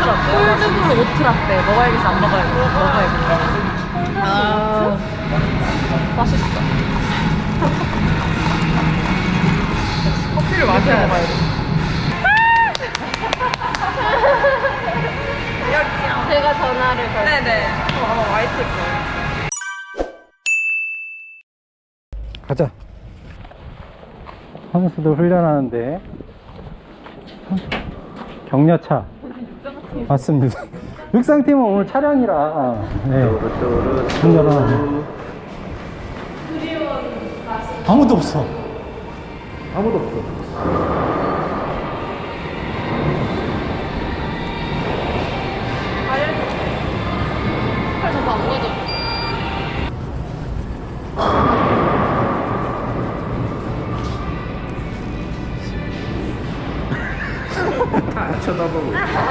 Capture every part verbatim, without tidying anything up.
오트라떼. 콜드브루 오트라떼. 먹어야겠어, 안 먹어야겠어. 먹어야겠어. 아, 맛있어. 커피를 마셔 먹어야 돼. 제가 전화를 걸. 네네. 어, 아마 와 있을 거예요. 가자. 선수들 훈련하는데 격려차 맞습니다. 육상팀은 오늘 촬영이라 네. 훈련하는 아무도 없어. 아무도 없어. 저거 안 가져. 다 쳐다보고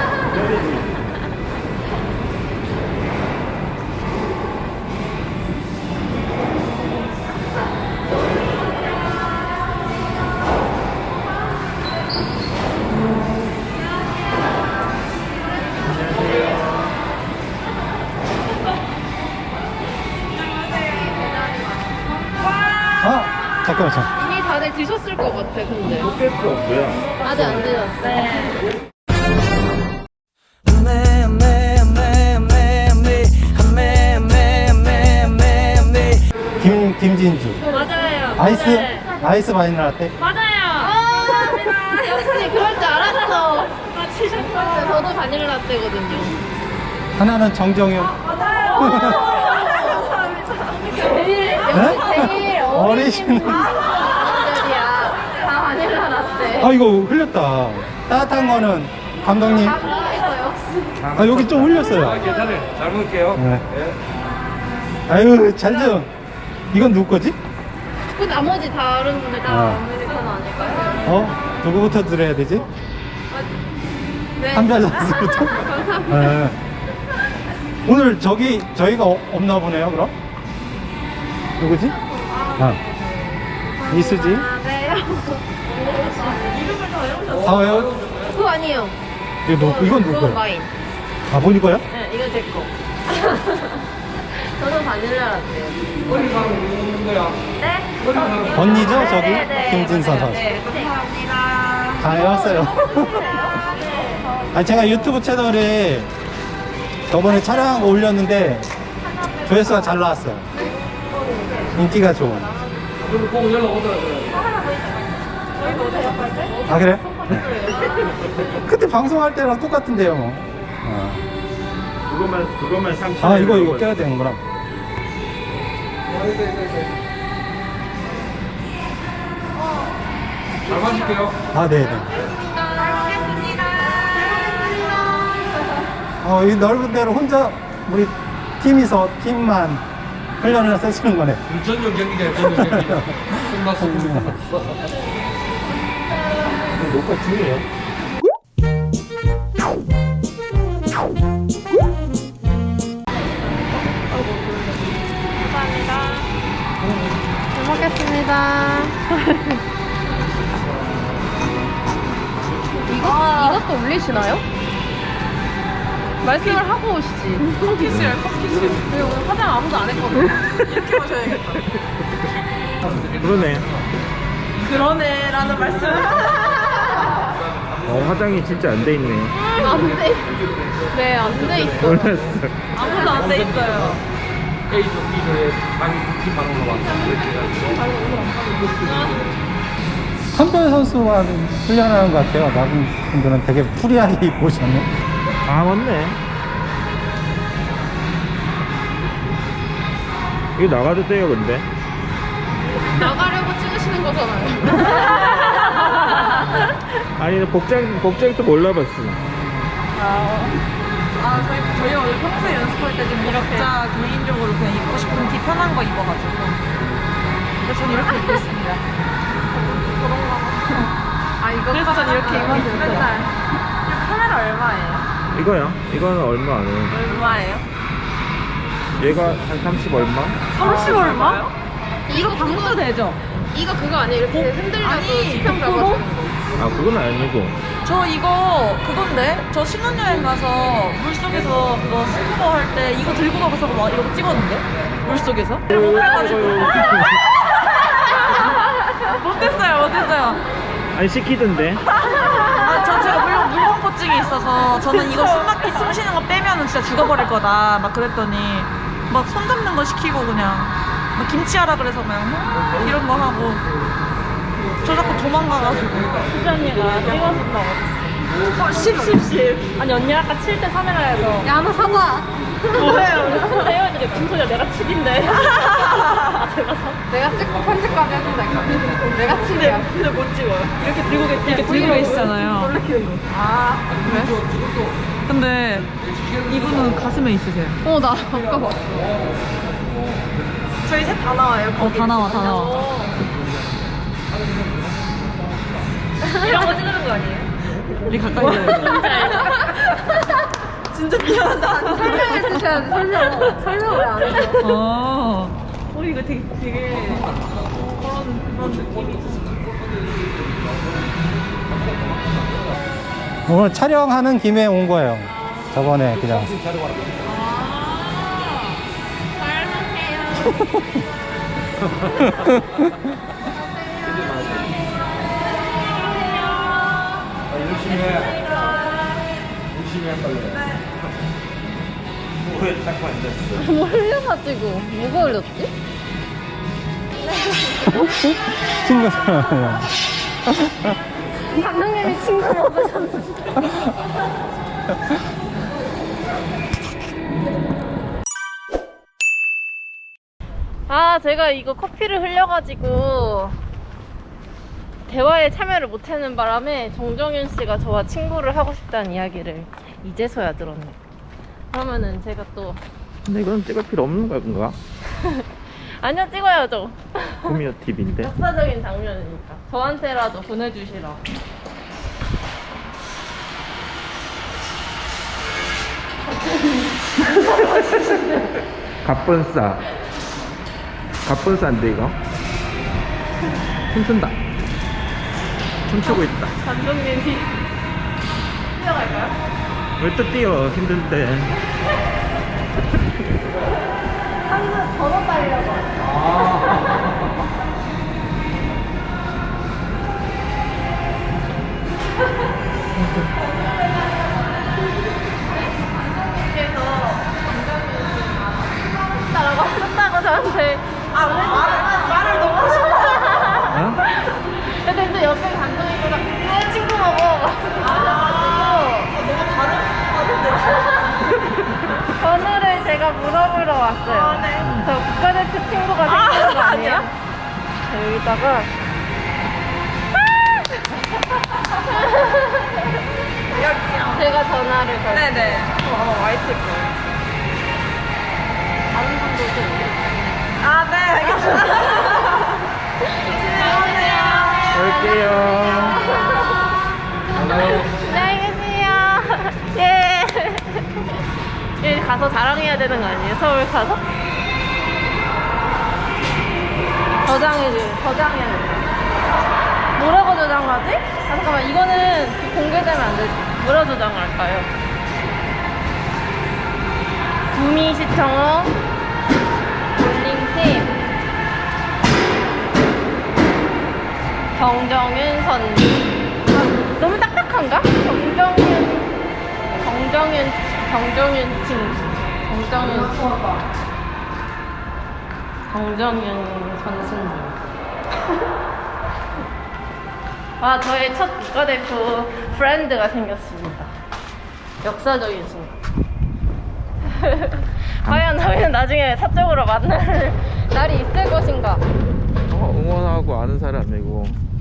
아 잠깐만 잠깐. 이미 다들 드셨을 것 같아, 근데. 뺄 수 없고요. 아직 안 드셨어요. 김 김진주. 맞아요. 아이스 네. 아이스 바닐라 라떼. 맞아요. 감사합니다. 역시 그럴 줄 알았어. 맞히셨어요. 저도 바닐라 라떼거든요. 하나는 정정윤. 제일 네? 역시 제일 어리신. 어리신 분들이야. 다 바닐라 라떼. 아 이거 흘렸다. 따뜻한 거는 감독님. 이거 역시. 아 여기 좀 흘렸어요. 아, 괜찮아요. 잘 먹을게요. 네. 네. 아유 잘 좀. 이건 누구 거지? 그 나머지 다른 분들 다 어. 아메리카노 아닐까요? 어? 누구부터 드려야 되지? 네. 한별선수부터? 감사합니다. 네. 오늘 저기 저희가 어- 없나 보네요 그럼? 누구지? 아 이수지? 아, 네. 아 왜요? 그거 아니에요. 이거 누, 이건 누구 그건 거예요? 와인. 아 본이 거야? 네, 이건 제 거. 저도 바닐라 라떼요. 머리 가고 있는 거야. 네? 언니죠 저기? 네, 네, 김진선 선수. 네, 감사합니다. 잘 왔어요. 아 제가 유튜브 채널에 저번에 촬영한 거 올렸는데 조회수가 잘 나왔어요. 인기가 좋은. 그리고 꼭 연락 오더라고요. 아 그래? 그때 방송할 때랑 똑같은데요 뭐. 어. 그것만 그것만 삼천. 아 이거 이거 껴야 되는구나. 잘 마실게요. 아 네네. 어, 이 넓은 데로 혼자 우리 팀이서 팀만 훈련을 해서 쓰는 거네. 전용 경기장 전용 경기장. 끝났어. 끝났어. 녹화 중이에요. 잘 먹겠습니다. 이거, 이것도 올리시나요? 말씀을 하고 오시지. 커피실, 커피실. 근데 오늘 화장 아무도 안 했거든. 이렇게 마셔야겠다. 그러네. 그러네라는 말씀. 어, 화장이 진짜 안 돼 있네. 안 돼. 네, 안 돼 있어. 몰랐어. 아무도 안 돼 있어요. A 경기를 당일 구 팀만 올라왔어. 한별 선수만 훈련하는 것 같아요. 다른 분들은 되게 프리하게 입고 오셨네. 아 맞네. 이거 나가도 돼요 근데? 나가려고 찍으시는 거잖아요. 아니 복장 복장도 몰라봤어. 아, 아 저희, 저희 원래 평소에 연습할 때 좀 이렇게 각자 개인적으로 그냥 입고 싶은 티 편한 거 입어가지고. 그래서 전 이렇게 입고 있습니다. 아, 이거 그래서 전 이렇게 입고 있어요. 맨날. 카메라 얼마예요? 이거요? 이거는 얼마 안 해요. 얼마예요? 얘가 한 삼십 얼마? 삼십 얼마? 이거 방금 방수 되죠? 이거 그거 아니에요? 이렇게 흔들려도 아니, 수평 거꾸로? 잡아주는 거. 아 그건 아니고 저 이거 그건데 저 신혼여행 가서 물속에서 그거 스쿠버 할 때 이거 들고 가서 막 이거 찍었는데 물속에서 못해가지고 못했어요 못했어요. 아니 시키던데. 아, 저 제가 물론 물공포증이 있어서 저는 이거 숨막히 숨 쉬는 거 빼면은 진짜 죽어버릴 거다 막 그랬더니 막 손 잡는 거 시키고 그냥 막 김치하라 그래서 그냥 막 이런 거 하고 저 자꾸 도망가가지고 수지 언니가 찍어준다고. 어, 십, 십, 십. 아니 언니 아까 칠 대 삼이라 해서. 야, 너 사과. 뭐예요? 근데 혜원이가 무슨 소리야? 내가 칠인데. 아, 제가 사. 내가 찍고 편집까지 해준다니까. 내가 칠이야. 근데 못 찍어요. 이렇게 들고, 계, 이렇게 들고 계시잖아요. 아, 그래? 근데 이분은 가슴에 있으세요. 어, 나 아까 봤어. 저희 셋 다 나와요. 어, 다 나와, 다 나와. 이런 거 찍는 거 아니에요? 우리 가까이 있어요. 진짜 미안하다. 설명해 주셔야지, 설명. 설명을 안 해줘. 어. 어, 이거 되게, 되게 그런, 그런 느낌이 있어. 오늘 촬영하는 김에 온 거예요. 저번에 그냥. 열심히 해. 열심히 할 거예요. 뭐에 딱 앉았어. 뭐 흘려가지고. 뭐가 흘렸지? 친구 사람. 감독님이 친구 먹으셨는데. 아, 제가 이거 커피를 흘려가지고 대화에 참여를 못하는 바람에 정정윤 씨가 저와 친구를 하고 싶다는 이야기를 이제서야 들었네요. 그러면은 제가 또 근데 이건 찍을 필요 없는 건가? 아니요, 찍어야죠. 구미호 팁인데. 역사적인 장면이니까 저한테라도 보내주시라. 갑분싸. 갑분싸인데 이거. 춤춘다. 춤추고 있다. 감독님이 뛰어갈까요? 왜 또 뛰어? 힘든데. 한번 번호 따려고. 라고 하셨다고 저한테. 아, 말을, 말을 너무 하셨다. 어? 근데 또 옆에 감독님보다 왜 친구 먹어? 아, 너무 다른, 다른데. 번호를 제가 물어보러 왔어요. 아, 네. 저 국가대표 친구가 생기는 거 아, 아니에요? 아니야. 자, 여기다가 여기요. 제가 전화를 걸게요. 네네. 어, 아마 와 있을 거예요. 다른 분들도 아, 네, 알겠습니다. 갈게요. 안녕히 계세요. 예. 여기 가서 자랑해야 되는 거 아니에요? 서울 가서? 저장해줘. 저장해야 돼. 뭐라고 저장하지? 아, 잠깐만. 이거는 공개되면 안 되지. 뭐라 저장할까요? 구미시청어 볼링팀 정정윤 선수. 아, 너무 딱딱한가? 정정윤 정정윤 정정윤 친구 정정윤 정정윤 선수님. 아, 저의 첫 국가대표 프렌드가 생겼습니다. 역사적인 순간. 과연 저희는 나중에 사적으로 만날 날이 있을 것인가? 어, 응원하고 아는 사람이고